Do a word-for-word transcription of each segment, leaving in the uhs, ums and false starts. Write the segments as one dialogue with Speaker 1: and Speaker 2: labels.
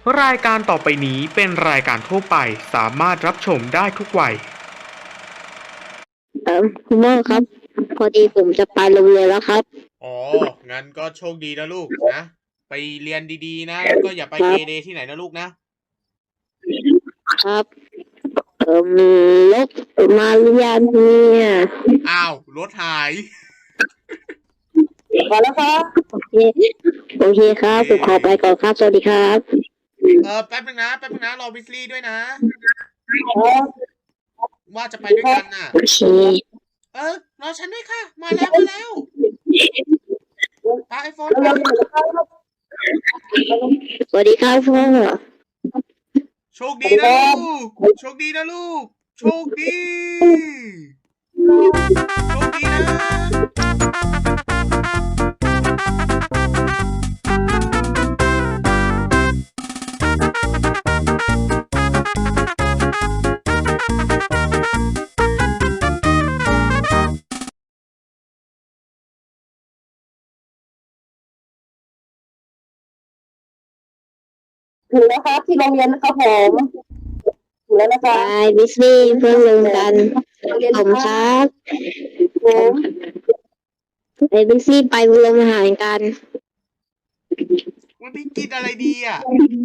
Speaker 1: รายการต่อไปนี้เป็นรายการทั่วไปสามารถรับชมได้ทุกวัย
Speaker 2: เออคุณพ่อครับพอดีผมจะไปโรงเรียนแล้วครับ
Speaker 3: อ๋อ งั้นก็โชคดีนะลูกนะ ไปเรียนดีๆนะแล้วก็อย่าไปเกเรที่ไหนนะลูกนะครับ
Speaker 2: เออรถมาเรียนเนี่ย
Speaker 3: อ้าวรถหาย
Speaker 2: มาแล้วครับโอเคโอเคครับผมขอไปก่อนครับสวัสดีครับ
Speaker 3: เออแป๊บนึงนะแป๊บนึงนะรอวิสลี่ด้วยนะ ว่าจะไปด้วยกันน่ะ
Speaker 2: โอเค
Speaker 3: เออรอฉันด้วยค่ะ มาแล้วมาแล้วไปไอโฟนไป
Speaker 2: สวัสดีครับพ่อ
Speaker 3: โชคดีนะลูกโชคดีนะลูกโชคดีโชคดีนะ
Speaker 4: ถึงแล้วครับที่โรงเรียนนะครับผมถึงแล้วนะค
Speaker 2: ไป
Speaker 4: รับ
Speaker 2: บิสซี่เพื่อนลงกันผมครับ
Speaker 4: ผม
Speaker 2: ไปบิสซี่ไปโรงอาหารกัน
Speaker 3: วันนี้กินอะไรดีอ่ะ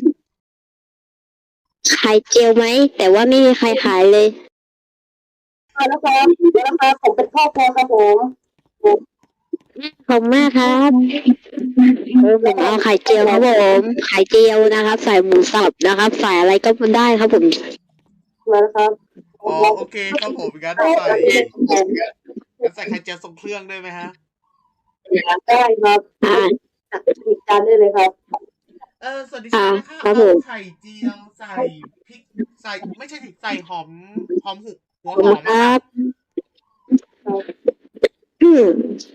Speaker 2: ไข่เจียวไหมแต่ว่าไม่มีใครขายเลย
Speaker 4: มาแล้วครับถึงแล้วนะครับผมเป็นครอบครัวครับผม
Speaker 2: ขอบคุณมากครับเออผมเอาไข่เจียวครับผมไข่เจียวนะครับ ใส่หมูสับนะครับ ใส่อะไรก็ได้ครับผม
Speaker 4: มาแล้วครับ
Speaker 3: อ๋อโอเคครับผมงั้นใส่งั้นใส่ไข่เจียวทรงเครื่องด้วยไหมฮะ
Speaker 4: ได้ครับ
Speaker 2: อ่า
Speaker 4: จัดอีกจานได้เลยครับ
Speaker 3: เออสวัสดีค่ะนะคะ
Speaker 2: ครั
Speaker 3: เอา
Speaker 2: บผม
Speaker 3: ไข่เจียวใส่พริกใส่ไม่ใช่สิใส่หอมหอมหุบหัว
Speaker 2: ขอบ
Speaker 3: ห
Speaker 2: คุ
Speaker 3: อ
Speaker 2: ณ
Speaker 3: ม
Speaker 2: ค
Speaker 3: อะ
Speaker 2: รั
Speaker 3: ค่ะ
Speaker 2: บอืม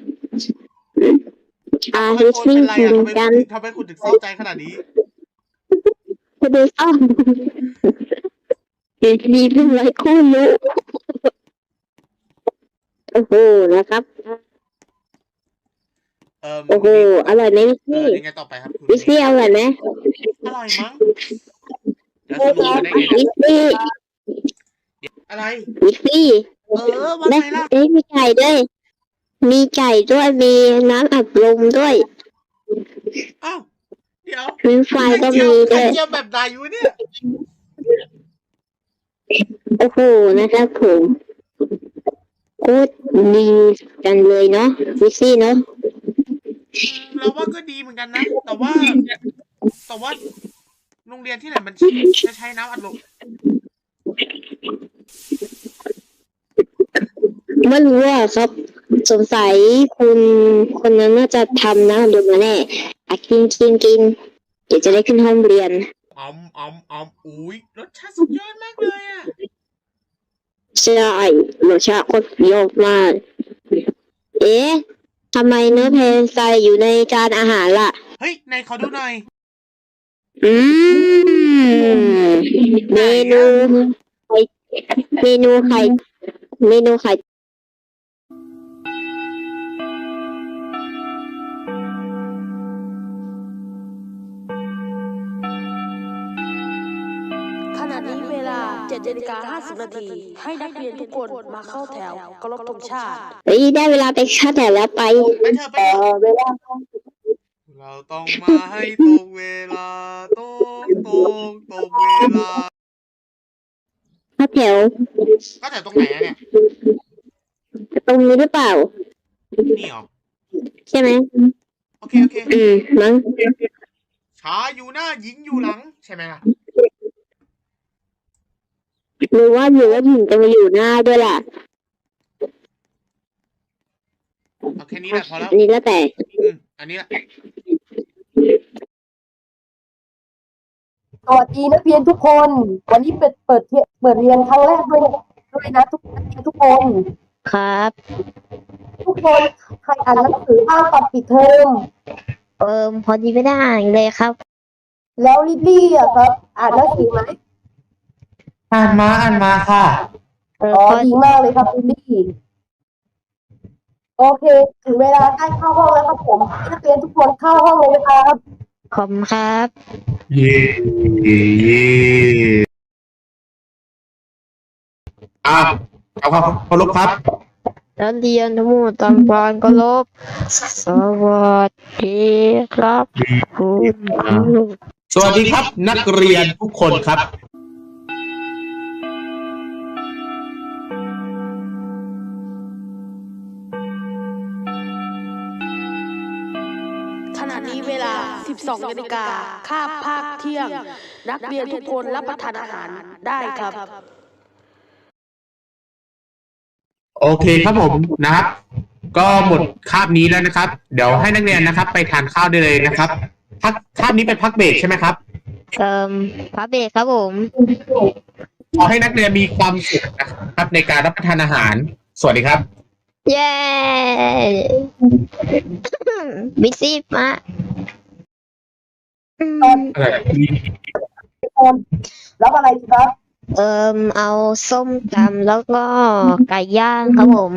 Speaker 2: อ่า
Speaker 3: ทำไม
Speaker 2: ฮิส
Speaker 3: โฟน
Speaker 2: ซิ่ง
Speaker 3: เป็นไรอ่ะ
Speaker 2: เหมื
Speaker 3: ทำ
Speaker 2: อน
Speaker 3: ไม
Speaker 2: กัน
Speaker 3: ทำไมคุณถึงเศร้าใจขนาดนี้
Speaker 2: พอดีอ้ออยู่ดีเพิ่งไร้คู่รู้โอ้โหนะครับ
Speaker 3: เออ
Speaker 2: โอ้โหอร่อยไหมวิส
Speaker 3: เอ
Speaker 2: ซี่
Speaker 3: อยังไงต่อไปครับคุณ
Speaker 2: วิสซี่อร่อยไหม
Speaker 3: อร่อยมั้งแล้วจะรู้กันได้ไง
Speaker 2: วิ
Speaker 3: เนี่ย
Speaker 2: สซี่
Speaker 3: อะไร
Speaker 2: วิสซี่
Speaker 3: เออว่า
Speaker 2: และ
Speaker 3: ไงล่ะ
Speaker 2: เอ้ยมีไก่ด้วย มีไก่ด้วยมีน้ำอัดลมด้วย
Speaker 3: อ้าวเดี๋ยว
Speaker 2: ฟรีไฟ
Speaker 3: ไข่
Speaker 2: ก็
Speaker 3: เจีย
Speaker 2: มี
Speaker 3: ว
Speaker 2: ด้
Speaker 3: ไข่
Speaker 2: วย
Speaker 3: เจียวแบบไหนวะเนี่ย
Speaker 2: โอ้โหนะครับผมโคตรดีจังเลยเนาะวิสซี่เนาะ
Speaker 3: อืมเราว่าก็ดีเหมือนกันนะ แต่ว่า แต่ว่าโรงเรียนที่ไหนมันจะใช้น้ำอัดลม
Speaker 2: ไม่รู้อ่ะครับ สงสัยคุณคนนั้นน่าจะทำนะดูมาแน่อ่ะกินกินกินเดี๋ยวจะได้ขึ้นห้องเรียน
Speaker 3: อ๋อมอ๋อมอ๋อมอุ้ยรสชาติสุดยอดมากเลยอ่ะ
Speaker 2: ใช่รสชาติโคตรเปรี้ยวมาก เอ๊ะทำไมเนื้อเพลใส่อยู่ในจานอาหารล่ะ
Speaker 3: เฮ้ยไหนขอดูหน่อย
Speaker 2: อืมเมนูไข่เมนูไข่เมนูไข่
Speaker 5: ขณะนี้เวลาเจ็ดนาฬิกาห้าสิบนาทีให้นักเรียนทุกคนมาเข้าแถวเคารพธงชาติ
Speaker 2: เฮ้ยได้เวลาไปชาร์จแถวแล้วไป
Speaker 3: ไปเถอะไป
Speaker 4: ต่อ
Speaker 3: เถอะ
Speaker 4: เวลา
Speaker 3: เราต้องมาให้ตรงเวลาตรงตรงตรงเวลา
Speaker 2: ชาร์จแถว
Speaker 3: ก็แต่ตรงไหนอะเนี่ย
Speaker 2: ตรงนี้หรือเปล่า
Speaker 3: นี่เหรอ
Speaker 2: ใช่ไหม
Speaker 3: โอเคโอเค
Speaker 2: อืมมั้ง
Speaker 3: ชายอยู่หน้าหญิงอยู่หลังใช่ไหมล่ะ
Speaker 2: หรือว่าอยู่ว่าหญิงจะมาอยู่หน้าด้วยล่ะ
Speaker 3: เอาแค่นี้แหละพอแล้ว
Speaker 2: อันนี้แล้วแต่
Speaker 3: อืมอันนี้แหละ
Speaker 4: สวัสดีนักเรียนทุกคน วันนี้เปิดเปิดเทเปิดเรียนครั้งแรกด้วยด้วยนะทุกนักเรียนทุกคน
Speaker 2: ครับ
Speaker 4: ทุกคนใครอ่านหนังสือบ้างตอนปิดเทอม
Speaker 2: เออพอดีไม่ได้อ่านเลยครับ
Speaker 4: แล้วลิลลี่อะครับ อ่านหนังสือไหม
Speaker 3: อ่านมาอ่านมาค่ะ
Speaker 2: เออ
Speaker 4: อ๋อ
Speaker 2: พอ
Speaker 4: ดีมากเลยครับลิลลี่โอเค ถึงเวลาใกล้เข้าห้องแล้วครับผมให้นักเรียนทุกคนเข้าห้องเลยนะครับ
Speaker 2: ขอบคุณครับ
Speaker 6: เย่เย่เย่อ้าวเอาครับเคารพครับ
Speaker 2: นักเรียนทั้งหมดทำการเคารพสวัสดีครับคุณครู
Speaker 6: สวัสดีครับ นักเรียนทุกคนครับ
Speaker 5: ขณะนี้เวลา สิบสองนาฬิกาคาบภาคเที่ยง นักเรียนทุกคนรับประทานอาหารได้ครับ
Speaker 6: โอเคครับผมนะครับ ก็หมดคาบนี้แล้วนะครับ เดี๋ยวให้นักเรียนนะครับ ไปทานข้าวได้เลยนะครับพักคาบนี้เป็นพักเบรกใช่ไหมครับ
Speaker 2: เอ่อพระเบรกครับผม
Speaker 6: ขอให้นักเรียนมีความสุขนะครับ ในการรับประทานอาหาร สวัสดีครับ
Speaker 2: เย้บิซี่มาอืม
Speaker 4: ทุกคนรับอะไรดีครับ
Speaker 2: เอ่อเอาส้มตำแล้วก็ไก่ย่างครับผม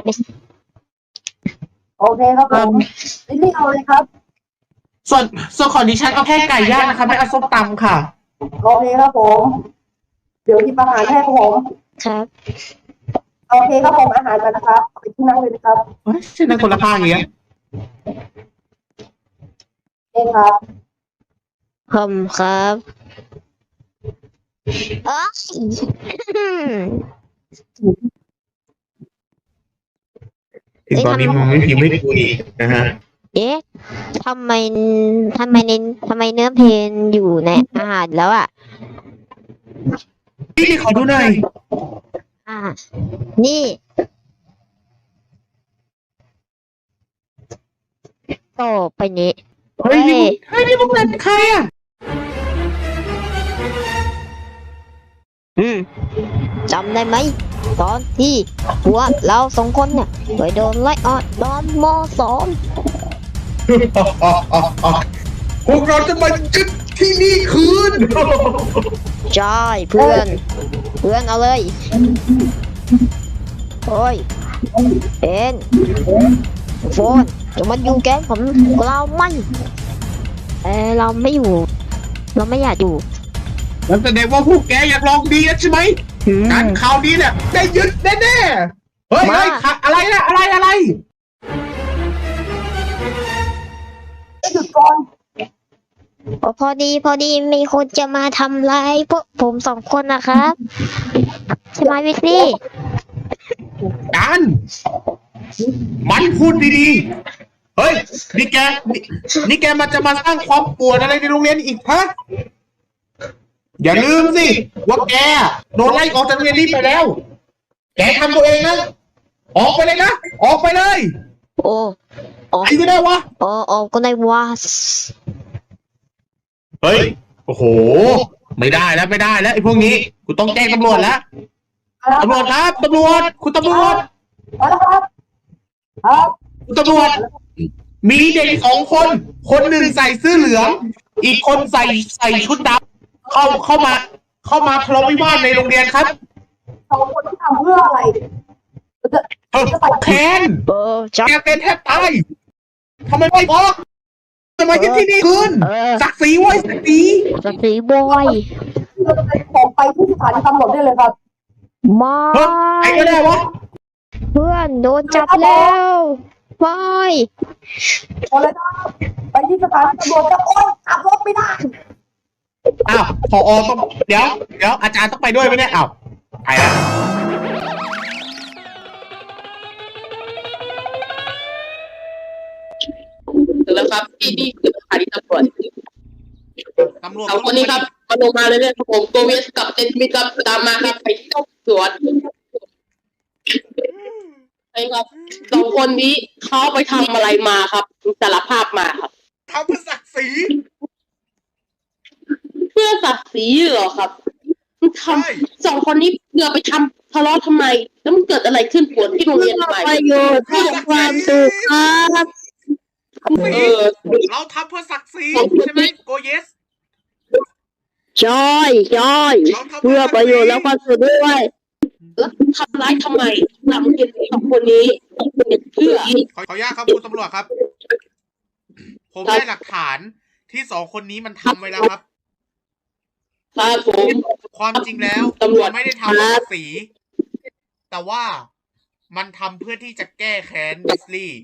Speaker 4: โอเคครับผมลิลลี่เอาเลยครับ
Speaker 6: ส่วนส่วนของดิฉันเอาแค่ไก่ย่างนะคะไม่เอาส้มตำค่ะ
Speaker 4: โอเคครับผม เดี๋ยวหยิบอาหารให้ครับผม
Speaker 2: ครับ
Speaker 4: โอเคครับผมอาหารมานะครับเอาไปที่นั่งเลยนะครับ
Speaker 6: เฮ้ยใช่นั่งคนละข้างอย่างเงี้ย
Speaker 4: เองครับ
Speaker 2: ผมครับเอ้ย
Speaker 6: ถึงตอนนี้มันไม่พิมพ์ไม่คุยนะฮะ
Speaker 2: เอ๊ะทำไมทำไมในทำไมเนื้อเพลงอยู่ในอาหารแล้วอ่ะ
Speaker 6: พี่ขอดูหน่อย
Speaker 2: อ่า นี่ต่อไปนี้
Speaker 6: เฮ้ยนี่เฮ้ยนี่พวกนั้นใครอ่ะ
Speaker 2: อืมจำได้ไหม ตอนที่พวกเราสองคนเนี่ยไปโดนไล่ออกตอนมสอง
Speaker 6: พวกเราจะมายึดที่นี่คืน
Speaker 2: ใช่เพื่อน เพื่อนเอาเลยโอ้ยเอ็นโฟนจะมาอยู่แก๊งผมเราไม่เออเราไม่อยู่ เราไม่อยากอยู่
Speaker 6: นั่นแสดงว่าพวกแกอยากลองดีนะใช่ไหม
Speaker 2: อืม
Speaker 6: การข่าวดีเนี่ยได้ยึดแน่ๆเฮ้ย
Speaker 2: มา
Speaker 6: เฮ้ยค่ะอะไรนะอะไรอะไร
Speaker 4: หยุดก่อน
Speaker 2: โอ้พอดีพอดีมีคนจะมาทำร้ายพวกผมสองคนนะครับใช่ไหมวิสลี่
Speaker 6: การมันพูดดีๆ เฮ้ย นี่แกนี่นี่แกมันจะมาสร้างความปวดอะไรในโรงเรียนอีกฮะ อย่าลืมสิว่าแกโดนไล่ออกจากโรงเรียนนี้ไปแล้ว แกทำตัวเองนะ ออกไปเลยนะ ออกไปเลย
Speaker 2: โอ้ออก
Speaker 6: ไอ้ก็ได้วะ
Speaker 2: ออกออกก็ได้ว่า
Speaker 6: เฮ้ย โอ้โห ไม่ได้แล้วไม่ได้แล้วไอ้พวกนี้ กูต้องแจ้งตำรวจแล้ว ตำรวจครับตำรวจ คุณตำรวจ
Speaker 4: มาแล้วครับ ครับ
Speaker 6: คุณตำรวจ มีเด็กสองคน คนหนึ่งใส่เสื้อเหลือง อีกคนใส่ใส่ชุดดำเข้าเข้ามา เข้ามาทะเลาะวิวาทในโรงเรียนครับ
Speaker 4: สองคนที่ทำเพื่ออะไรจะ
Speaker 6: เออแค้น
Speaker 2: เออจับ
Speaker 6: แกเป็นแทบตายทำไมไม่บอกทำไมยึดที่นี่คืน
Speaker 2: เออ
Speaker 6: ศักดิ์ศรีไว้ยศักดิ์ศรี
Speaker 2: สตีบอย
Speaker 4: เราจะเป็นของไปที่สถานีตำรวจได้เลยครับ
Speaker 2: มา
Speaker 6: เฮ้ยไอ้ก็ได้วะ
Speaker 2: เพื่อนโดนจับแล้วบอย
Speaker 4: โอเลยครับไปที่สถานีตำรวจครับโอ๊ยขับรถไม่ได้
Speaker 6: อ้าวพอต้องเดี๋ยว เดี๋ยวอาจารย์ต้องไปด้วยไหมเนี่ยอ้าวไปแล้ว
Speaker 7: ถึงแล้วครับที่นี่คือสถานีตำรวจ
Speaker 3: ตำรวจ
Speaker 7: สองคนนี้ครับมาลงมาเลยเนี่ยครับผมโกเวสกับเจนมิครับตามมาครับไปที่สวนใช่ครับสองคนนี้เขาไปทำอะไรมาครับสารภาพมาครับ
Speaker 3: ทำเพื่อศักดิ์ศรี
Speaker 7: เพื่อศักดิ์ศรีเหรอครับทำสองคนนี้เพื่อไปทำทะเลาะทำไม แล้วมันเกิดอะไรขึ้นปวดที่โรงเรียนทำไม
Speaker 2: ประโยชน์เพื่อความสุขครับ
Speaker 7: เออ
Speaker 3: เราทำเพื่อศักดิ์ศรีใช่ไหมโกเยส
Speaker 2: จอยจอย
Speaker 3: เราทำ
Speaker 2: เพื่อประโยชน์และความสุขด้วย
Speaker 7: แล้วทำร้ายทำไมทำเกินสองคนนี้เพื่อ
Speaker 3: ขอขออนุญาตครับคุณตำรวจครับ ผมได้หลักฐานที่สองคนนี้มันทำไว้แล้วครับ
Speaker 7: ครับผม
Speaker 3: ความจริงแล้ว
Speaker 7: ตำรวจ
Speaker 3: มันไม่ได้ทำเพื่อศักดิ์ศรีแต่ว่ามันทำเพื่อที่จะแก้แค้นวิสลีย์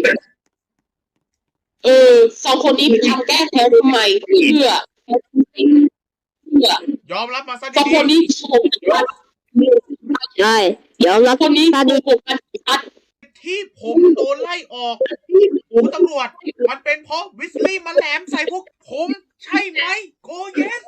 Speaker 7: เออสองคนนี้ไปทำแก้แค้นทำไมเพื่อเพื่อย
Speaker 3: อมรับมาซะ
Speaker 7: สอง
Speaker 3: ดี
Speaker 7: คนนี้โกงกัน
Speaker 2: ใช่ยอมรับ
Speaker 7: คนนี้
Speaker 2: ตาดี
Speaker 7: โกงกันชัด
Speaker 3: ๆที่ผมโดนไล่ออกคุณตำรวจ มันเป็นเพราะวิสลีย์มาแหลมใส่พวกผม ใช่ไหมโกเยส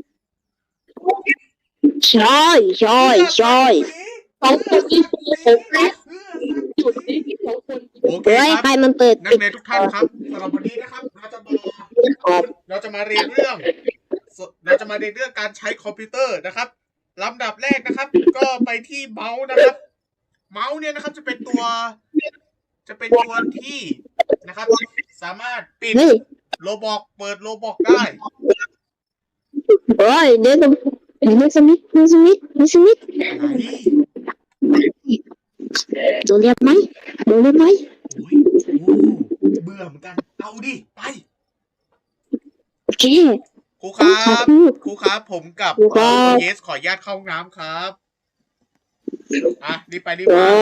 Speaker 2: ใช่ใช่ใช่
Speaker 7: สองคนนี้โกงกันจุดนี้สองคน
Speaker 3: โอเค
Speaker 2: เฮ้ย
Speaker 3: ค
Speaker 2: ใคร
Speaker 3: รับ
Speaker 2: มันเปิด
Speaker 3: นักเรียนทุกท่านครับสำหรับวันนี้นะครับเราจะมาเราจะมาเรียนเรื่อง เราจะมาเรียนเรื่องการใช้คอมพิวเตอร์นะครับลำดับแรกนะครับ ก็ไปที่เมาส์นะครับ เมาส์เนี่ยนะครับจะเป็นตัว จะเป็นตัวที่นะครับ สามารถปิด
Speaker 2: เฮ้ย
Speaker 3: โลบอกเปิดโลบอกได้
Speaker 2: เฮ้ยเดี๋ยวต้องเดี๋ยวสมิธเดี๋ยวสมิธเดี๋ยวสมิธ
Speaker 3: ไหน
Speaker 2: โดนเรียกไหมโดนเรียกไหม
Speaker 3: โอ้ยโอ้เบื่อเหมือนกัน เอาดิ ไป
Speaker 2: โอเค
Speaker 3: ครูครับ
Speaker 2: ขอพูด
Speaker 3: ครูครับ ผมกับ
Speaker 2: ครูครับ
Speaker 3: เยสขออนุญาตเข้าห้องน้ำครับ อ่ะรีบไปรีบ
Speaker 2: เอ
Speaker 3: มา
Speaker 2: อ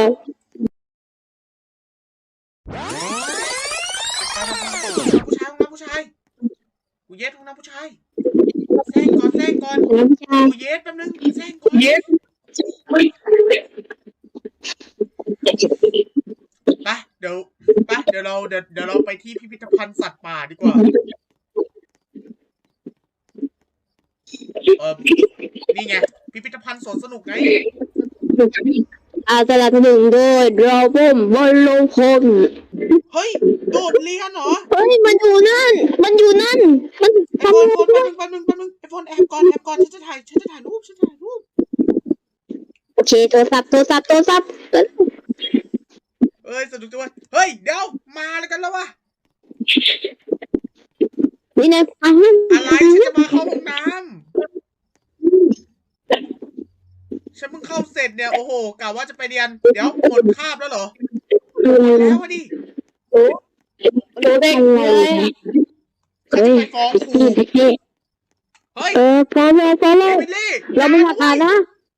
Speaker 3: ผู้ชายห้องน้ำผู้ชายกูเยสห้องน้ำผู้ชายแซงก่อนแซงก่อน
Speaker 2: น้ำชา
Speaker 3: กูเยสแป๊บนึงแซงก่อนเยสไปเดี๋ยวไปเดี๋ยวเราเดี๋ยวเดี๋ยวเราไปที่พิพิธภัณฑ์สัตว์ป่าดีกว่าเออนี่ไงพิพิธภัณฑ์สวนสนุกไง
Speaker 2: อาสนับสนุนโดยดรอปมบอลลงพล
Speaker 3: เฮ้ยโดดเรียนเหรอ
Speaker 2: เฮ้ยมันอยู่นั่น มันอยู่นั่น มัน
Speaker 3: ไอโฟนโฟนแป๊บนึงแป๊บนึงแป๊บนึงไอโฟนแอบก่อนแอบก่อนฉันจะถ่ายฉันจะถ่ายรูปฉันจะถ่ายรูป
Speaker 2: โอเคโทรศัพท์โทรศัพท์โทรศัพท์
Speaker 3: เอ้ยสนุกจังเว้ยเฮ้ยเดี๋ยวมาแล้วกันแล้ววะ
Speaker 2: นี่นายฟัง
Speaker 3: อะไรฉันจะมาเข้าห้องน้ำฉันเพิ่งเข้าเสร็จเนี่ยโอ้โหกะว่าจะไปเรียนเดี๋ยวหมดคาบแล้วเหรอแล้ววะดิ
Speaker 2: ดูได้ไง
Speaker 3: ฉัน
Speaker 2: เฮ้
Speaker 3: จะ
Speaker 2: ย
Speaker 3: ไปฟ้องครู
Speaker 2: พี่พี่
Speaker 3: เฮ้ย
Speaker 2: เออพอแล้วพอ
Speaker 3: เอ
Speaker 2: แล้ว
Speaker 3: มิลี่
Speaker 2: เราไม่อยากอ่านนะ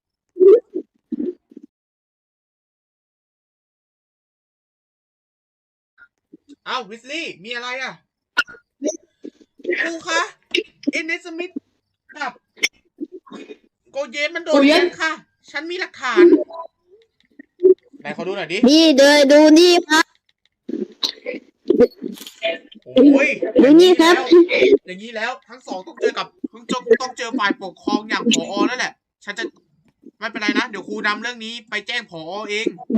Speaker 3: อ้าววิสลี่มีอะไรอ่ะครูคะเอนเนสมิธกับโกเยนมันโดนเรียนค่ะ ฉันมีหลักฐานไหนขอดูหน่อยดิ
Speaker 2: นี่เดินดูนี่ครับ
Speaker 3: โอ้ย
Speaker 2: ดูนี่ครับ
Speaker 3: อย่างนี้แล้วทั้งสองต้องเจอกับต้องเจอต้องเจอฝ่ายปกครองอย่างผอนั่นแหละ ฉันจะไม่เป็นไรนะ เดี๋ยวครูนำเรื่องนี้ไปแจ้งผอเอง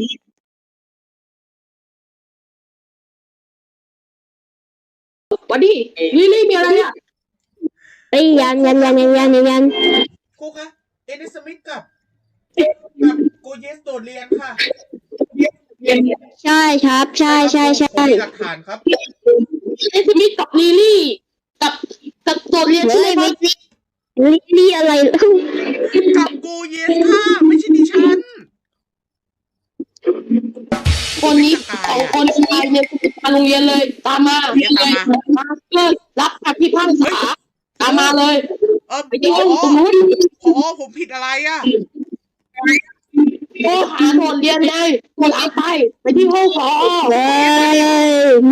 Speaker 7: วันนี้ลิลลี่มีอะไรอ่ะ
Speaker 2: ไอ้ยยันยันยันยันยันยัน
Speaker 3: ครูคะเอเนสมิธกับกับโกเยสโดดเรียนค่ะ
Speaker 2: ใช่ครับ ใช่ใช่ใช่
Speaker 3: ผมมีหลักฐานครับ
Speaker 7: เอสมิธกับลิลลี่กับกับตัวเรียน
Speaker 2: เฮ้
Speaker 7: ใช่ไหม
Speaker 2: ย
Speaker 7: ครับ
Speaker 2: ลิลลี่อะไรแล้ว
Speaker 3: กับโกเยสค่ะไม่ใช่ดิฉัน
Speaker 7: คนนี้สองคนชายเนี่ยมาโรงเรียนเลยตามมาเลยมาเลิกรับคำพิพากษาตามมาเลย
Speaker 3: เออ
Speaker 7: ไปที่
Speaker 3: ผ
Speaker 7: ห้
Speaker 3: อ
Speaker 7: องตรงนู้น
Speaker 3: ผอผมผิดอะไรอ่ะ
Speaker 7: โทรหาโดดเรียนเลยโทรหาไปไปที่ห้องผอ
Speaker 2: เฮ้ยมา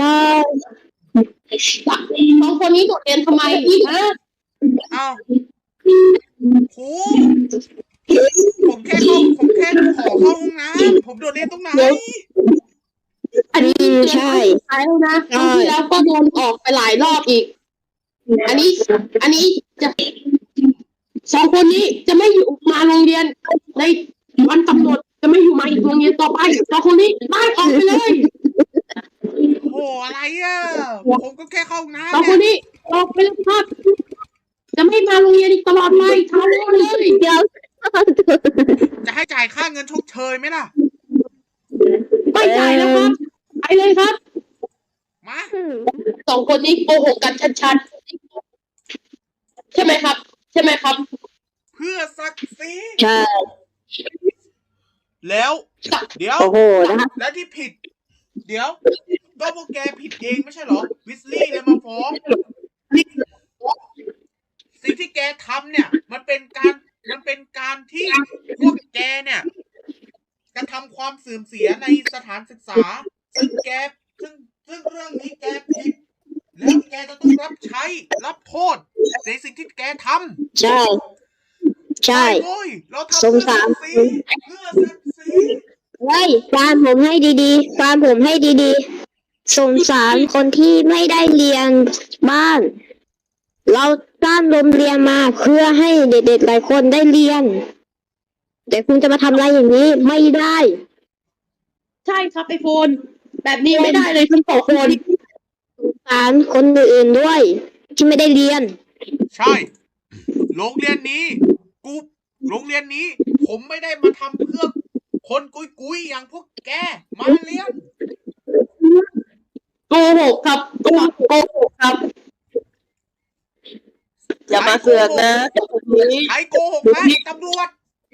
Speaker 7: สองคนนี้โดดเรียนทำไมฮะ
Speaker 3: เอ้าครูผมแค่เข้าผมแค่ขอเข้าห้องน้ำผมโดดเรียนตรงไหน
Speaker 7: อันนี้เตือนครั้งสุดท้ายแล้วนะครั้งที่แล้วก็โดนออกไปหลายรอบอีก อันนี้ อันนี้จะสองคนนี้จะไม่อยู่มาโรงเรียนในวันกำหนดจะไม่อยู่มาอีกโรงเรียนต่อไปสองคนนี้ได้ออกไปเลย
Speaker 3: โอ้โหอะไรอ่ะผมก็แค่เข้าห้อง
Speaker 7: สอง
Speaker 3: น้ำ
Speaker 7: คน
Speaker 3: เนี่ย
Speaker 7: นี้ออกไปเลยครับ จะไม่มาโรงเรียนอีกตลอดไปทำเลย
Speaker 2: เดี๋ยว
Speaker 3: จะให้จ่ายค่าเงินชดเชยไหมล่ะ
Speaker 7: ไม่จ่ายแล้วครับไปเลยครับ
Speaker 3: มา
Speaker 7: สองคนนี้โกหกกันชัดๆใช่ไหมครับ ใช่ไหมครับ
Speaker 3: เพื่อศักดิ์ศรี
Speaker 2: ใช่
Speaker 3: แล้ว เดี๋ยว
Speaker 2: โอ้โหนะครับ
Speaker 3: แล้วที่ผิด เดี๋ยวก็พวกแกผิดเองไม่ใช่เหรอ วิสลี่เลยมาฟ้อง สิ่งที่แกทำเนี่ยมันจะต้องรับใช้รับโทษในสิ่งที่แกทำ
Speaker 2: ใช่ ใช่
Speaker 3: โอ้ยเราทำ
Speaker 2: สงสาร
Speaker 3: เพื่อศักดิ์ศรีเพื่อศักดิ์ศรี
Speaker 2: เฮ้ยฟังผมให้ดีๆฟังผมให้ดีๆสงสารคนที่ไม่ได้เรียนบ้าน เราสร้างโรงเรียนมาเพื่อให้เด็กๆหลายคนได้เรียน แต่คุณจะมาทำอะไรอย่างนี้ไม่ได้
Speaker 7: ใช่ครับไอโฟน แบบนี้ไม่ได้เลยทั้งสองคน
Speaker 2: สงสารคนอื่นๆด้วย ที่ไม่ได้เรียน
Speaker 3: ใช่โรงเรียนนี้กูโรงเรียนนี้ ผมไม่ได้มาทำเพื่อคนกุยกุยๆอย่างพวกแกมาเรียน
Speaker 7: โกหกครับโกโกหกครับ อย่ามาเสือกนะนี้
Speaker 3: ใครโกหกนะตำรวจ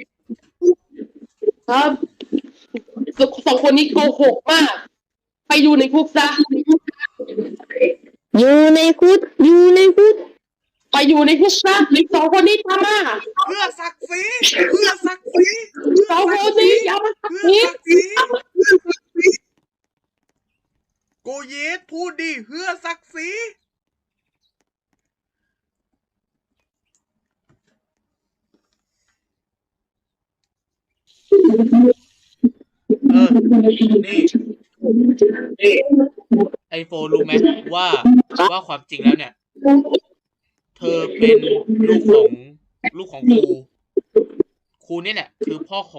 Speaker 7: ครับสองคนนี้โกหกมาก ไปอยู่ในคุกซะ
Speaker 2: อยู่ในคุกอยู่ในคุก
Speaker 7: ไปอยู่ในคุกซะสองคนนี้ทำมา
Speaker 3: เพื่อศักดิ์ศรีเพื่อศักดิ์ศรีเพื่อ
Speaker 7: สอง
Speaker 3: ศั
Speaker 7: ค
Speaker 3: ก
Speaker 7: น
Speaker 3: ดิ์ศรี
Speaker 7: นี้อย่ามา
Speaker 3: เพื่อ
Speaker 7: นี้
Speaker 3: ศักดิ์ศรีโกเยสพูดดิเพื่อศักดิ์ศรีเออนี่ไอโฟนรู้ไหมว่าว่าความจริงแล้วเนี่ย เธอเป็นลูกของลูกของครูครูนี่แหละคือพ่อของ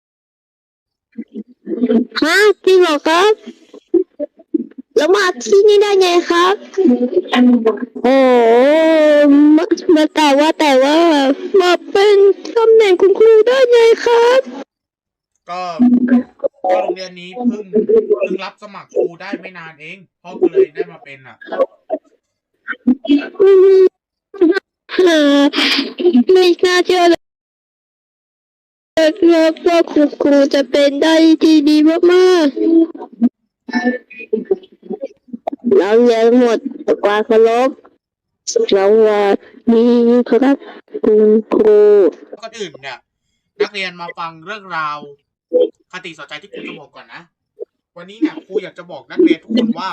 Speaker 2: ฮะจริงเหรอครับ แล้วมาที่นี่ได้ไงครับ โอ้มามาแต่ว่าแต่ว่ามาเป็นตำแหน่งคุณครูได้ไงครับ
Speaker 3: ก็ก็โรงเรียนนี้เพิ่งเพิ่งรับสมัครครูได้ไม่นานเองพ่อก็เลยได้มาเป็นอ่ะ
Speaker 2: อ่าไม่น่าเชื่อเลยครับว่าคุณครูจะเป็นได้ที่ดีมากๆเราเรียนหมดความเคารพเราว่ามีครับคุณครู
Speaker 3: ก่อนอื่นเนี่ย นักเรียนมาฟังเรื่องราวคติสอนใจที่ครูจะบอกก่อนนะ วันนี้เนี่ยครูอยากจะบอกนักเรียนทุกคนว่า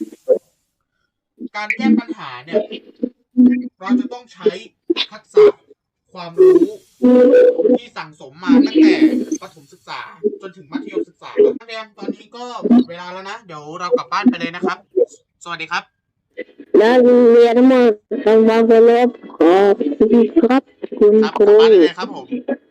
Speaker 3: การแก้ปัญหาเนี่ย เราจะต้องใช้ทักษะความรู้ที่สั่งสมมาตั้งแต่ประถมศึกษาจนถึงมัธยมศึกษานักเรียนตอนนี้ก็หมดเวลาแล้วนะเดี๋ยวเรากลับบ้านไปเลยนะครับ สวัสดีครับ
Speaker 2: และเรียนทั้งหมดทำความเคารพขอบคุณครับคุณ
Speaker 3: ครับ
Speaker 2: ค
Speaker 3: กลับ
Speaker 2: รู
Speaker 3: บ้านได้เลยครับผม